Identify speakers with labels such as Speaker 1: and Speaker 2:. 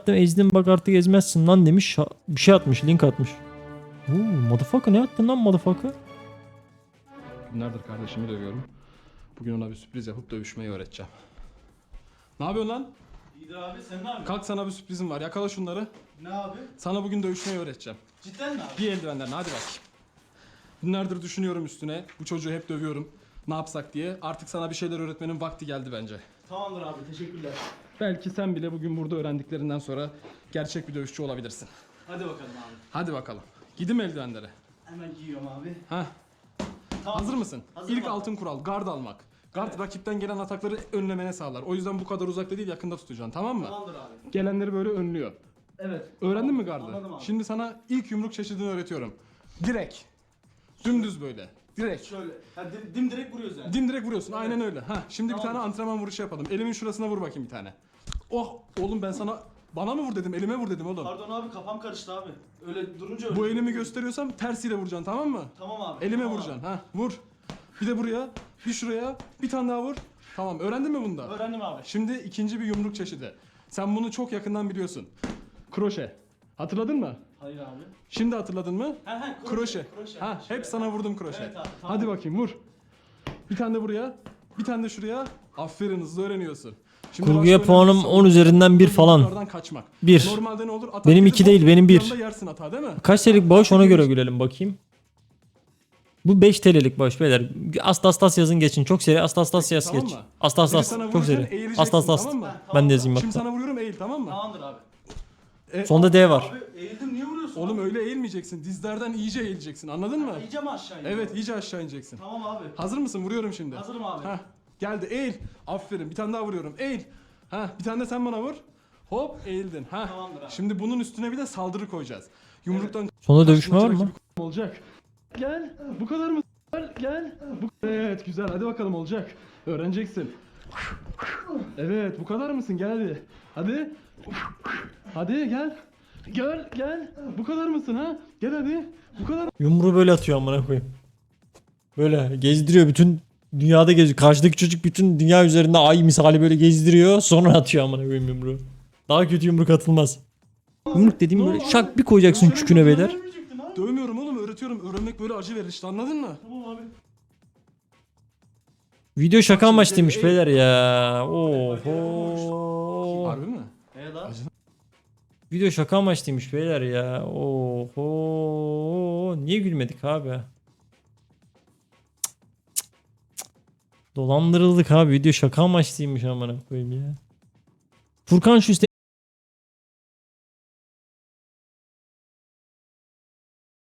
Speaker 1: Ezdin bak artık ezmezsin lan demiş. Bir şey atmış, link atmış. Motherfucker ne attın lan motherfucker?
Speaker 2: Günlerdir kardeşimi dövüyorum. Bugün ona bir sürpriz yapıp dövüşmeyi öğreteceğim. Ne yapıyorsun lan?
Speaker 3: İyidir abi, sen ne yapıyorsun?
Speaker 2: Kalk, sana bir sürprizim var. Yakala şunları.
Speaker 3: Ne abi?
Speaker 2: Sana bugün dövüşmeyi öğreteceğim.
Speaker 3: Cidden mi abi?
Speaker 2: Giy eldivenlerini, hadi bak. Günlerdir düşünüyorum üstüne. Bu çocuğu hep dövüyorum. Ne yapsak diye. Artık sana bir şeyler öğretmenin vakti geldi bence.
Speaker 3: Tamamdır abi, teşekkürler.
Speaker 2: Belki sen bile bugün burada öğrendiklerinden sonra gerçek bir dövüşçü olabilirsin.
Speaker 3: Hadi bakalım abi.
Speaker 2: Hadi bakalım. Gidim eldivenlere.
Speaker 3: Hemen giyiyorum abi.
Speaker 2: Heh.
Speaker 3: Tamam.
Speaker 2: Hazır mısın?
Speaker 3: Hazırım
Speaker 2: İlk
Speaker 3: abi.
Speaker 2: altın kural, gard almak. Gard rakipten gelen atakları önlemene sağlar. O yüzden bu kadar uzakta değil, yakında tutacaksın, tamam mı?
Speaker 3: Tamamdır abi.
Speaker 2: Gelenleri böyle önlüyor.
Speaker 3: Evet.
Speaker 2: Öğrendin mi gardı?
Speaker 3: Anladım abi.
Speaker 2: Şimdi sana ilk yumruk çeşidini öğretiyorum. Direkt. Dümdüz böyle. Direkt.
Speaker 3: Şöyle. Ha, dimdirek vuruyoruz yani.
Speaker 2: Dimdirek vuruyorsun. Aynen öyle. Ha, şimdi bir
Speaker 3: Tamam.
Speaker 2: tane antrenman vuruşu yapalım. Elimin şurasına vur bakayım bir tane. Oh, oğlum ben sana bana mı vur dedim? Elime vur dedim oğlum.
Speaker 3: Pardon abi, kafam karıştı abi. Öyle durunca öyle.
Speaker 2: Bu elimi gösteriyorsam tersiyle vuracaksın, tamam mı?
Speaker 3: Tamam abi.
Speaker 2: Elime
Speaker 3: tamam
Speaker 2: vuracaksın. Ha, vur. Bir de buraya, bir şuraya, bir tane daha vur. Tamam, öğrendin mi bunu da?
Speaker 3: Abi. Öğrendim abi.
Speaker 2: Şimdi ikinci bir yumruk çeşidi. Sen bunu çok yakından biliyorsun. Kroşe. Hatırladın mı?
Speaker 3: Hayır abi.
Speaker 2: Şimdi hatırladın mı?
Speaker 3: Ha,
Speaker 2: Kroşe.
Speaker 3: Kroşe.
Speaker 2: Ha,
Speaker 3: Şöyle.
Speaker 2: hep sana vurdum kroşe.
Speaker 3: Evet abi, tamam.
Speaker 2: Hadi bakayım vur. Bir tane de buraya, bir tane de şuraya. Aferin, hızlı öğreniyorsun. Şimdi
Speaker 1: Kurguya
Speaker 2: başka
Speaker 1: puanım
Speaker 2: önemli
Speaker 1: 10 üzerinden 1 falan.
Speaker 2: yumruklardan kaçmak.
Speaker 1: 1.
Speaker 2: Normalde ne olur? Atak
Speaker 1: Benim
Speaker 2: yedin,
Speaker 1: 2 değil,
Speaker 2: hop,
Speaker 1: benim
Speaker 2: bir
Speaker 1: 1.
Speaker 2: anda yersin hata değil mi?
Speaker 1: Kaç TL'lik bağış ona göre gülelim bakayım. Bu 5 TL'lik bağış beyler. Astas yazın geçin. Çok seri astas yaz
Speaker 2: Tamam
Speaker 1: geç.
Speaker 2: mı?
Speaker 1: Astas
Speaker 2: Biri sana
Speaker 1: çok
Speaker 2: vururken
Speaker 1: seri.
Speaker 2: eğileceksin,
Speaker 1: Astas.
Speaker 2: tamam mı?
Speaker 1: Ben de yazayım
Speaker 2: Şimdi
Speaker 1: bak.
Speaker 2: sana vuruyorum, eğil, tamam mı?
Speaker 3: Tamamdır abi.
Speaker 1: Sonda D var.
Speaker 3: Abi eğildim, niye vuruyorsun?
Speaker 2: Oğlum
Speaker 3: abi?
Speaker 2: öyle eğilmeyeceksin. Dizlerden iyice eğileceksin. Anladın mı?
Speaker 3: İyice mi aşağı iniyor?
Speaker 2: Evet, iyice aşağı ineceksin.
Speaker 3: Tamam abi.
Speaker 2: Hazır mısın? Vuruyorum şimdi.
Speaker 3: Hazırım abi.
Speaker 2: Heh, geldi. Eğil. Aferin. Bir tane daha vuruyorum. Eğil. Ha, bir tane de sen bana vur. Hop, eğildin. Ha.
Speaker 3: Tamamdır abi.
Speaker 2: Şimdi bunun üstüne bir de saldırı koyacağız. Yumruktan
Speaker 1: Sonda dövüşme var
Speaker 2: kaçınacak
Speaker 1: mı?
Speaker 2: gibi olacak. Gel. Bu kadar mı? Gel. Evet, güzel. Hadi bakalım, olacak. Öğreneceksin. Evet, bu kadar mısın? Gel hadi. Hadi. Hadi gel. Gel. Bu kadar mısın ha? Gel hadi. Bu kadar.
Speaker 1: Yumruğu böyle atıyor amına koyayım. Böyle gezdiriyor, bütün dünyada geziyor. Karşıdaki çocuk bütün dünya üzerinde ay misali böyle gezdiriyor. Sonra atıyor amına koyayım yumruğu. Daha kötü yumruk atılmaz. Yumruk dediğim böyle şak bir koyacaksın çüküne beyler.
Speaker 3: Dövmeyecektin abi.
Speaker 2: Dövmüyorum oğlum, öğretiyorum. Öğrenmek böyle acı verir işte, anladın mı?
Speaker 3: Tamam abi.
Speaker 1: Video şaka
Speaker 2: Bak şimdi,
Speaker 1: amaçlıymış
Speaker 2: ey-
Speaker 1: beyler ya. Oho.
Speaker 2: Harbi mi?
Speaker 3: Lan.
Speaker 2: Acı-
Speaker 1: Video şaka amaçlıymış beyler ya. Oho. Niye gülmedik abi? Dolandırıldık abi. Video şaka amaçlıymış amına koyayım ya. Furkan şu